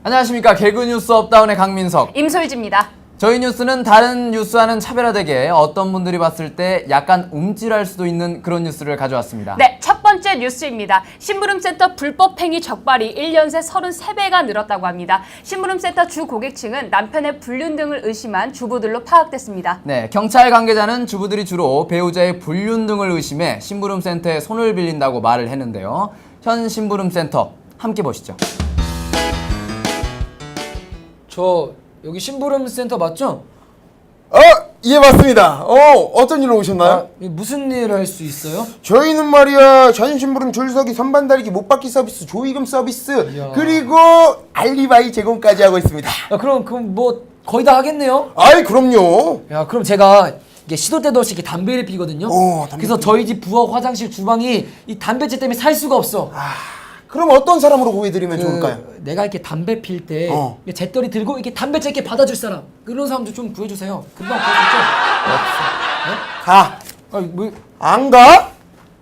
안녕하십니까. 개그뉴스 업다운의 강민석, 임솔지입니다. 저희 뉴스는 다른 뉴스와는 차별화되게 어떤 분들이 봤을 때 약간 움찔할 수도 있는 그런 뉴스를 가져왔습니다. 네, 첫 번째 뉴스입니다. 심부름센터 불법행위 적발이 1년 새 33배가 늘었다고 합니다. 심부름센터 주 고객층은 남편의 불륜 등을 의심한 주부들로 파악됐습니다. 네, 경찰 관계자는 주부들이 주로 배우자의 불륜 등을 의심해 심부름센터에 손을 빌린다고 말을 했는데요. 현 심부름센터 함께 보시죠. 저 여기 심부름센터 맞죠? 예, 맞습니다. 어떤 일로 오셨나요? 무슨 일 할 수 있어요? 저희는 말이야, 전신부름 줄서기 선반 달기 못 받기 서비스, 조이금 서비스, 이야. 그리고 알리바이 제공까지 하고 있습니다. 그럼 뭐 거의 다 하겠네요? 아이, 그럼요. 야, 그럼 제가 이게 시도 때도 없이 이렇게 담배를 피거든요. 담배 그래서 저희 집 부엌, 화장실, 주방이 이 담배채 때문에 살 수가 없어. 그럼 어떤 사람으로 구해드리면 좋을까요? 내가 이렇게 담배 필 때 잿더리 들고 이렇게 담배채 이렇게 받아줄 사람, 그런 사람도 좀 구해주세요. 금방 구할 수 있죠? 가. 뭐? 안 가?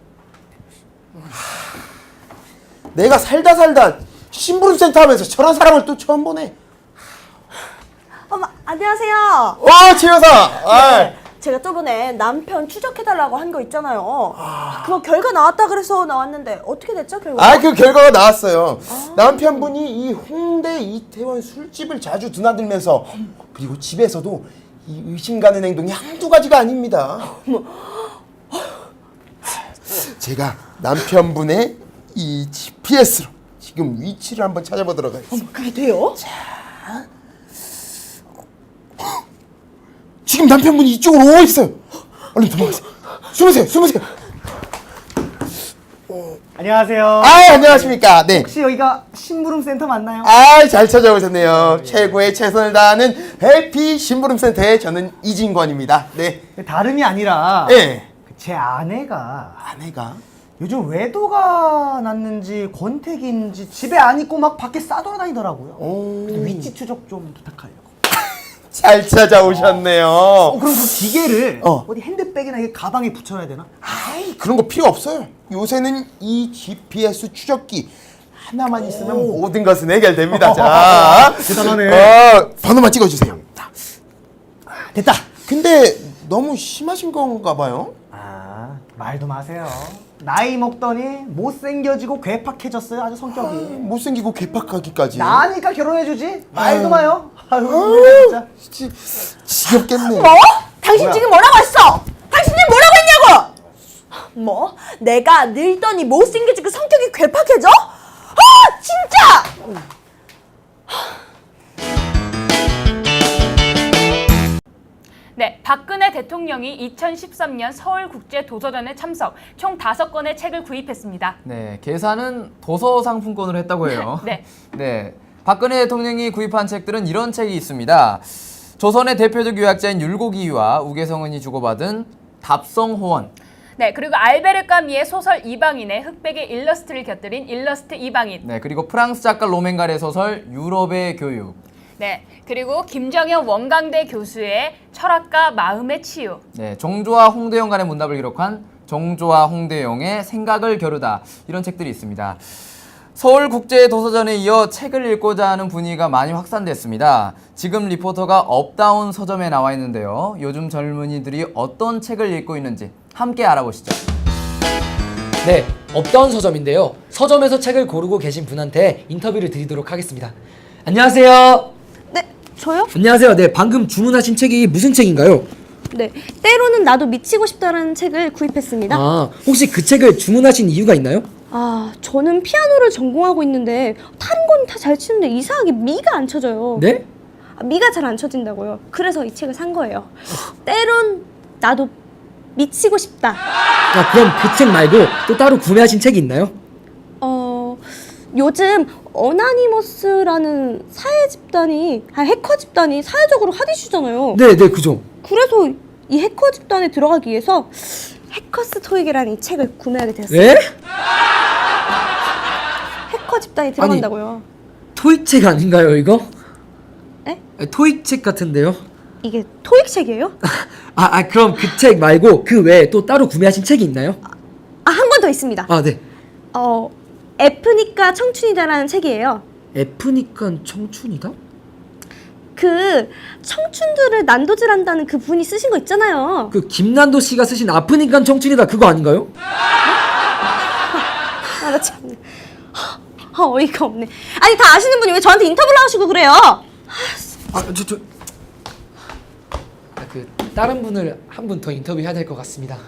내가 살다 심부름센터 하면서 저런 사람을 또 처음 보네. 어머, 안녕하세요. 최 여사. 제가 저번에 남편 추적해달라고 한 거 있잖아요. 그거 결과 나왔다 그래서 나왔는데 어떻게 됐죠, 결과? 그 결과가 나왔어요. 남편분이 이 홍대 이태원 술집을 자주 드나들면서, 그리고 집에서도 이 의심 가는 행동이 한두 가지가 아닙니다. 제가 남편분의 이 GPS로 지금 위치를 한번 찾아보도록 하겠습니다. 그게 돼요? 지금 남편분이 이쪽으로 오고 있어요. 얼른 도망가세요. 숨으세요. 안녕하세요. 안녕하십니까. 네. 혹시 여기가 심부름센터 맞나요? 잘 찾아오셨네요. 최고의 최선을 다하는 해피 심부름센터의 저는 이진권입니다. 네. 다름이 아니라 네. 제 아내가 아내가? 요즘 외도가 났는지 권태기인지 집에 안 있고 막 밖에 싸돌아다니더라고요. 그래서 위치 추적 좀 부탁하려고. 잘 찾아오셨네요. 그럼 그 기계를 어디 핸드백이나 이게 가방에 붙여야 되나? 그런 거 필요 없어요. 요새는 이 GPS 추적기 하나만 있으면 모든 것은 해결됩니다. 자, 대단하네. 번호만 찍어주세요. 됐다. 근데 너무 심하신 건가 봐요. 말도 마세요. 나이 먹더니 못생겨지고 괴팍해졌어요. 아주 성격이. 못생기고 괴팍하기까지. 나니까 결혼해주지. 말도 마요. 진짜. 지겹겠네. 뭐? 당신 지금 뭐라고 했어? 당신이 뭐라고 했냐고? 뭐? 내가 늙더니 못생겨지고 성격이 괴팍해져? 진짜! 네, 박근혜 대통령이 2013년 서울국제도서전에 참석, 총 5권의 책을 구입했습니다. 네, 계산은 도서 상품권으로 했다고 해요. 네. 네, 박근혜 대통령이 구입한 책들은 이런 책이 있습니다. 조선의 대표적 유학자인 율곡이와 우계성은이 주고받은 답성호원. 네, 그리고 알베르 까미의 소설 이방인의 흑백의 일러스트를 곁들인 일러스트 이방인. 네, 그리고 프랑스 작가 로맹갈의 소설 유럽의 교육. 네, 그리고 김정현 원광대 교수의 철학과 마음의 치유. 네, 정조와 홍대영 간의 문답을 기록한 정조와 홍대영의 생각을 겨루다, 이런 책들이 있습니다. 서울국제도서전에 이어 책을 읽고자 하는 분위기가 많이 확산됐습니다. 지금 리포터가 업다운 서점에 나와 있는데요. 요즘 젊은이들이 어떤 책을 읽고 있는지 함께 알아보시죠. 네, 업다운 서점인데요. 서점에서 책을 고르고 계신 분한테 인터뷰를 드리도록 하겠습니다. 안녕하세요. 네, 저요? 안녕하세요. 네, 방금 주문하신 책이 무슨 책인가요? 네, 때로는 나도 미치고 싶다라는 책을 구입했습니다. 혹시 그 책을 주문하신 이유가 있나요? 저는 피아노를 전공하고 있는데 다른 건 다 잘 치는데 이상하게 미가 안 쳐져요. 네? 미가 잘 안 쳐진다고요. 그래서 이 책을 산 거예요. 때론 나도 미치고 싶다. 그럼 그 책 말고 또 따로 구매하신 책이 있나요? 요즘 어나니머스라는 해커 집단이 사회적으로 핫이슈잖아요. 네, 그죠. 그래서 이 해커 집단에 들어가기 위해서 해커스 토익이라는 이 책을 구매하게 되었어요. 네? 해커 집단이 들어간다고요. 토익 책 아닌가요, 이거? 에? 토익 책 같은데요? 이게 토익 책이에요? 그럼 그 책 말고 그 외에 또 따로 구매하신 책이 있나요? 한 권 더 있습니다. 네. F니까 청춘이다라는 책이에요. F니까 청춘이다? 그 청춘들을 난도질한다는 그 분이 쓰신 거 있잖아요. 그 김난도 씨가 쓰신 아프니까 청춘이다 그거 아닌가요? 아, 나 참네. 어이가 없네. 아니 다 아시는 분이 왜 저한테 인터뷰를 하시고 그래요? 그 다른 분을 한 분 더 인터뷰해야 될 것 같습니다.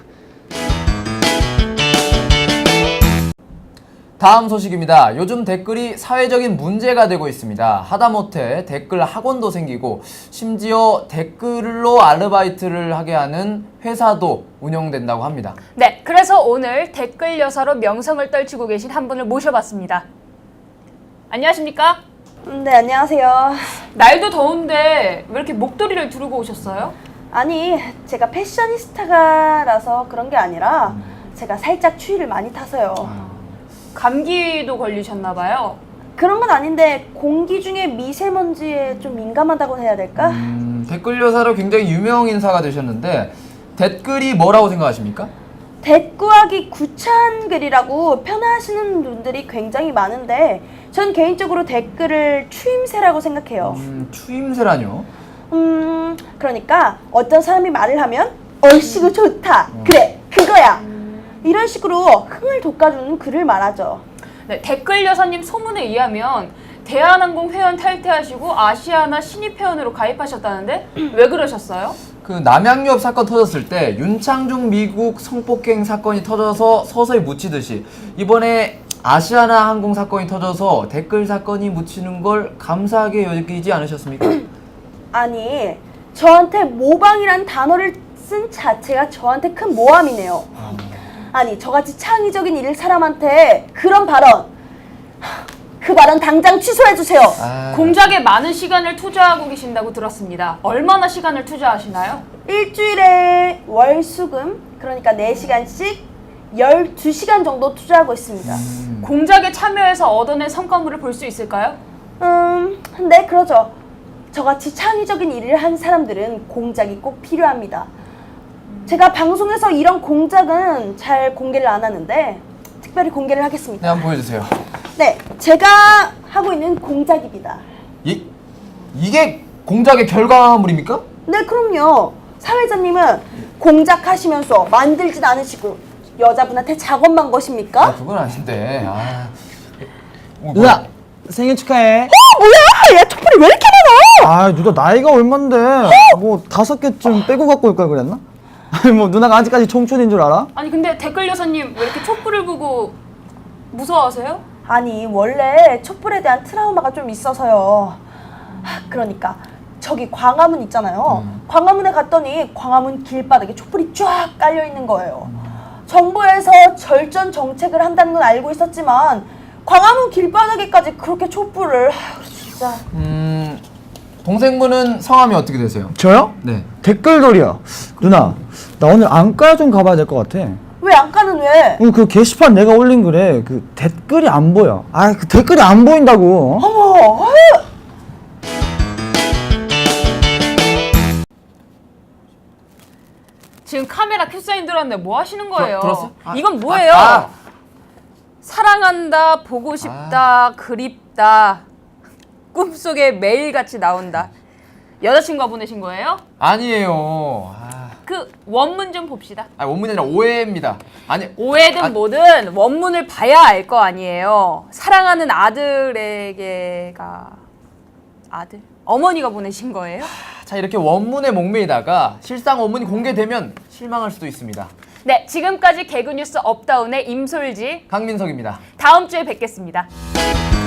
다음 소식입니다. 요즘 댓글이 사회적인 문제가 되고 있습니다. 하다못해 댓글 학원도 생기고 심지어 댓글로 아르바이트를 하게 하는 회사도 운영된다고 합니다. 네, 그래서 오늘 댓글 여사로 명성을 떨치고 계신 한 분을 모셔봤습니다. 안녕하십니까? 네, 안녕하세요. 날도 더운데 왜 이렇게 목도리를 두르고 오셨어요? 아니, 제가 패셔니스타라서 그런 게 아니라 제가 살짝 추위를 많이 타서요. 감기도 걸리셨나 봐요. 그런 건 아닌데 공기 중에 미세먼지에 좀 민감하다고 해야 될까? 댓글 여사로 굉장히 유명 인사가 되셨는데 댓글이 뭐라고 생각하십니까? 대꾸하기 구차한 글이라고 편하시는 분들이 굉장히 많은데 전 개인적으로 댓글을 추임새라고 생각해요. 추임새라뇨? 그러니까 어떤 사람이 말을 하면 얼씨구 좋다. 그래, 그거야. 이런 식으로 흥을 돋궈주는 글을 말하죠. 네, 댓글 여사님 소문에 의하면 대한항공 회원 탈퇴하시고 아시아나 신입 회원으로 가입하셨다는데 왜 그러셨어요? 그 남양유업 사건 터졌을 때 윤창중 미국 성폭행 사건이 터져서 서서히 묻히듯이 이번에 아시아나 항공 사건이 터져서 댓글 사건이 묻히는 걸 감사하게 여기지 않으셨습니까? 아니, 저한테 모방이란 단어를 쓴 자체가 저한테 큰 모함이네요. 아니, 저같이 창의적인 일 사람한테 그런 발언, 그 발언 당장 취소해주세요. 공작에 많은 시간을 투자하고 계신다고 들었습니다. 얼마나 시간을 투자하시나요? 일주일에 월수금, 그러니까 4시간씩 12시간 정도 투자하고 있습니다. 공작에 참여해서 얻어낸 성과물을 볼 수 있을까요? 네, 그러죠. 저같이 창의적인 일을 한 사람들은 공작이 꼭 필요합니다. 제가 방송에서 이런 공작은 잘 공개를 안 하는데 특별히 공개를 하겠습니다. 네, 한번 보여주세요. 네, 제가 하고 있는 공작입니다. 이게 공작의 결과물입니까? 네, 그럼요. 사회자님은 공작하시면서 만들진 않으시고 여자분한테 작업만 거십니까? 그건 아닌데. 누나 생일 축하해. 뭐야? 얘 촛불이 왜 이렇게 많아? 아 누나 나이가 얼만데 뭐 5개쯤 빼고 갖고 올 걸 그랬나? 아니 뭐 누나가 아직까지 청춘인 줄 알아? 아니 근데 댓글 여사님 왜 이렇게 촛불을 보고 무서워하세요? 아니, 원래 촛불에 대한 트라우마가 좀 있어서요. 그러니까 저기 광화문 있잖아요. 광화문에 갔더니 광화문 길바닥에 촛불이 쫙 깔려 있는 거예요. 정부에서 절전 정책을 한다는 건 알고 있었지만 광화문 길바닥에까지 그렇게 촛불을 진짜. 동생분은 성함이 어떻게 되세요? 저요? 네. 댓글돌이요. 누나 나 오늘 안과 좀 가봐야 될 것 같아. 왜 안 가는 왜? 오늘 그 게시판 내가 올린 글에 그 댓글이 안 보여. 아 그 댓글이 안 보인다고. 어머, 지금 카메라 큐사인 들었는데 뭐 하시는 거예요? 들었어? 이건 뭐예요? 사랑한다, 보고 싶다, 그립다, 꿈속에 매일같이 나온다. 여자친구가 보내신 거예요? 아니에요. 그 원문 좀 봅시다. 원문이 아니라 오해입니다. 아니 오해든 뭐든 원문을 봐야 알 거 아니에요. 사랑하는 아들에게가 아들? 어머니가 보내신 거예요? 자, 이렇게 원문에 목매이다가 실상 원문이 공개되면 실망할 수도 있습니다. 네, 지금까지 개그뉴스 업다운의 임솔지, 강민석입니다. 다음 주에 뵙겠습니다.